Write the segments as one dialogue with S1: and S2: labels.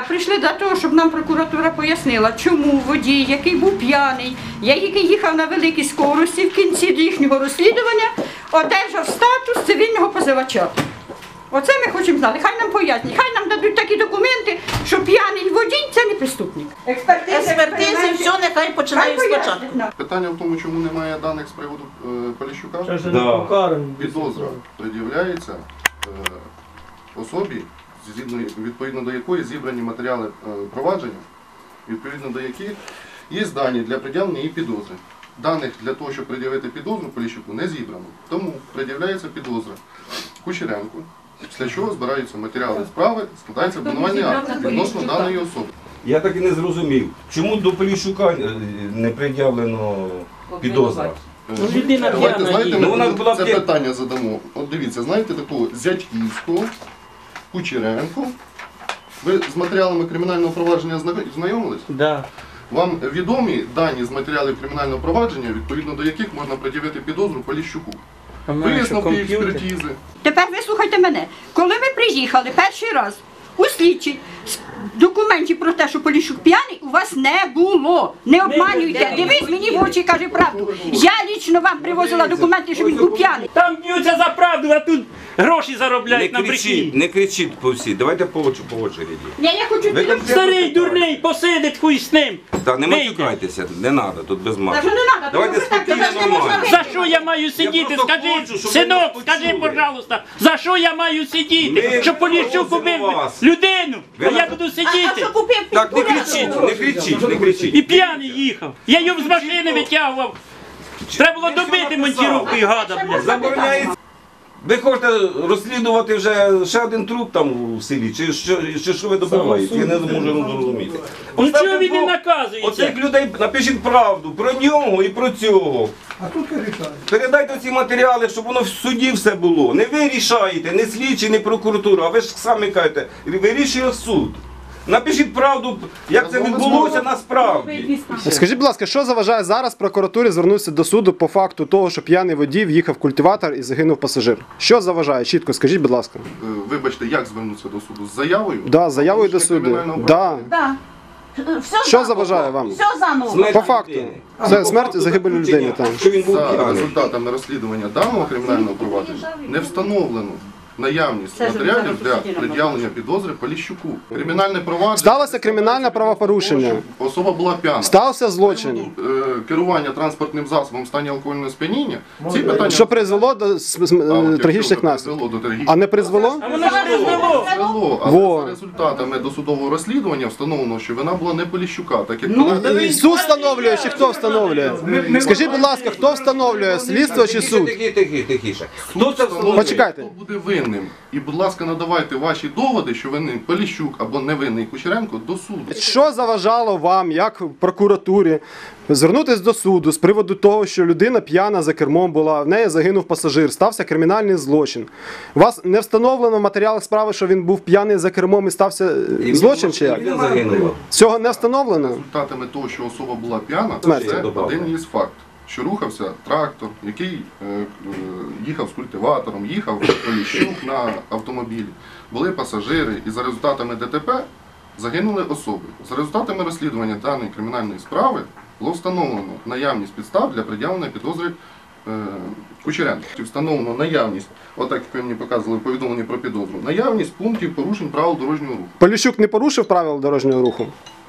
S1: Прийшли до того, щоб нам прокуратура пояснила, чому водій, який був п'яний, який їхав на великій скорості, в кінці їхнього розслідування одержав статус цивільного позивача. Оце ми хочемо знати. Хай нам пояснять, хай нам дадуть такі документи, що п'яний водій – це не преступник.
S2: Експертизи, все, нехай починають спочатку.
S3: Питання в тому, чому немає даних з приводу Поліщука. Підозра пред'являється особі, відповідно до якої зібрані матеріали провадження, відповідно до яких є дані для пред'явлення і підозри. Даних для того, щоб пред'явити підозру Поліщуку, не зібрано. Тому пред'являється підозра Кучеренку, після чого збираються матеріали справи, складається обвинувальний акт відносно даної особи.
S4: Я так і не зрозумів, чому до Поліщука не пред'явлено підозра?
S3: Давайте це питання задамо. От дивіться, знаєте такого Зятьківського, Кучеренко. Ви з матеріалами кримінального провадження знайомились?
S5: Да.
S3: Вам відомі дані з матеріалів кримінального провадження, відповідно до яких можна пред'явити підозру Поліщуку? Висновки експертизи.
S1: Тепер вислухайте мене. Коли ми приїхали перший раз у слідчий, документів про те, що Поліщук п'яний, у вас не було. Не обманюйте. Дивись мені в очі і кажи правду. Я лічно вам привозила документи, що він був п'яний.
S5: Там б'ються за правду, а тут гроші заробляють на брехні.
S4: Не кричіть по всі, давайте по очереді.
S1: Я хочу
S5: Старий дурний посидить, хуй з ним.
S4: Так, не матюкайтеся, не треба, тут без
S1: Та
S4: мату.
S1: що не треба,
S4: Давайте спокійно, нормально.
S5: За що я маю сидіти?
S4: просто
S5: Скажи,
S4: хочу, щоб
S5: синок,
S4: ви
S5: скажи,
S4: почули.
S5: пожалуйста, за що я маю сидіти?
S4: Ми
S5: Щоб Поліщук убив
S4: просимо вас.
S5: людину,
S4: Ви
S5: а я
S4: на-
S5: буду сидіти.
S4: Так, не кричіть, не кричіть, не кричіть.
S5: І п'яний їхав. Я його з машини витягував. Треба було добити монтіровкою, гада, блядь.
S4: Забороняється. Ви хочете розслідувати вже ще один труп там у селі, чи що ви добиваєте? Я не можу зрозуміти.
S5: Ну чого він не наказується?
S4: Оцих людей напишіть правду про нього і про цього.
S6: А тут рішають.
S4: Передайте ці матеріали, щоб воно в суді все було. Не ви рішаєте, не слідчі, не прокуратура, а ви ж самі кажете, вирішує суд. Напишіть правду, як це відбулося насправді.
S7: Скажіть, будь ласка, що заважає зараз прокуратурі звернутися до суду по факту того, що п'яний водій в'їхав в культиватор і загинув пасажир? Що заважає? Чітко скажіть, будь ласка.
S3: Вибачте, як звернутися до суду? З заявою?
S7: Да, з заявою до суду. Да.
S2: Да.
S7: Що заважає вам?
S2: Все заново.
S4: Смерть
S7: По факту.
S4: людини.
S7: Це смерть, загибель людини. Там.
S4: Що він був
S3: За
S4: п'яний.
S3: результатами розслідування даного кримінального провадження не встановлено наявність матеріалів для пред'явлення підозри Поліщуку. Кримінальне провадження...
S7: Сталося кримінальне правопорушення.
S3: Особа була п'яна.
S7: Стався злочин.
S3: Керування транспортним засобом в стані алкогольного сп'яніння. Ці питання...
S7: Що призвело до трагічних наслідків. А не призвело?
S5: А воно ж не знало.
S3: Призвело, але
S7: Во.
S3: за результатами досудового розслідування встановлено, що вина була не Поліщука, так як
S7: Суд встановлює чи хто встановлює? Скажіть, будь ласка, хто встановлює? Слідство чи суд?
S4: Тихіше. Хто це встановлює?
S7: Почекайте.
S3: Хто буде винним? І, будь ласка, надавайте ваші доводи, що винний Поліщук або невинний Кучеренко до суду.
S7: Що заважало вам, як прокуратурі, звернутися до суду з приводу того, що людина п'яна за кермом була, в неї загинув пасажир, стався кримінальний злочин. У вас не встановлено в матеріалах справи, що він був п'яний за кермом і стався злочин чи як?
S4: Він загинув.
S7: Цього не встановлено?
S3: Результатами того, що особа була п'яна,
S7: Смерть.
S3: це один із факт. Що рухався трактор, який їхав з культиватором, їхав Поліщук на автомобілі. Були пасажири і за результатами ДТП загинули особи. За результатами розслідування даної кримінальної справи було встановлено наявність підстав для пред'явлення підозри Кучеренка. Встановлено наявність, отак як ви мені показували повідомлення про підозру, наявність пунктів порушень правил дорожнього руху.
S7: Поліщук не порушив правил дорожнього руху?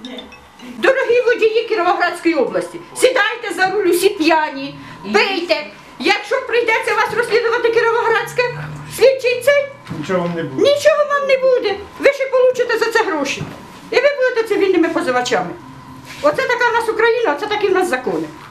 S1: Дорогі водії Кіровоградської області, сідайте за руль усі п'яні, пийте. Якщо прийдеться вас розслідувати Кіровоградське, слідчий цей,
S6: Нічого вам не буде.
S1: нічого вам не буде. Ви ще получите за це гроші. І ви будете цивільними позивачами. Оце така в нас Україна, оце такі в нас закони.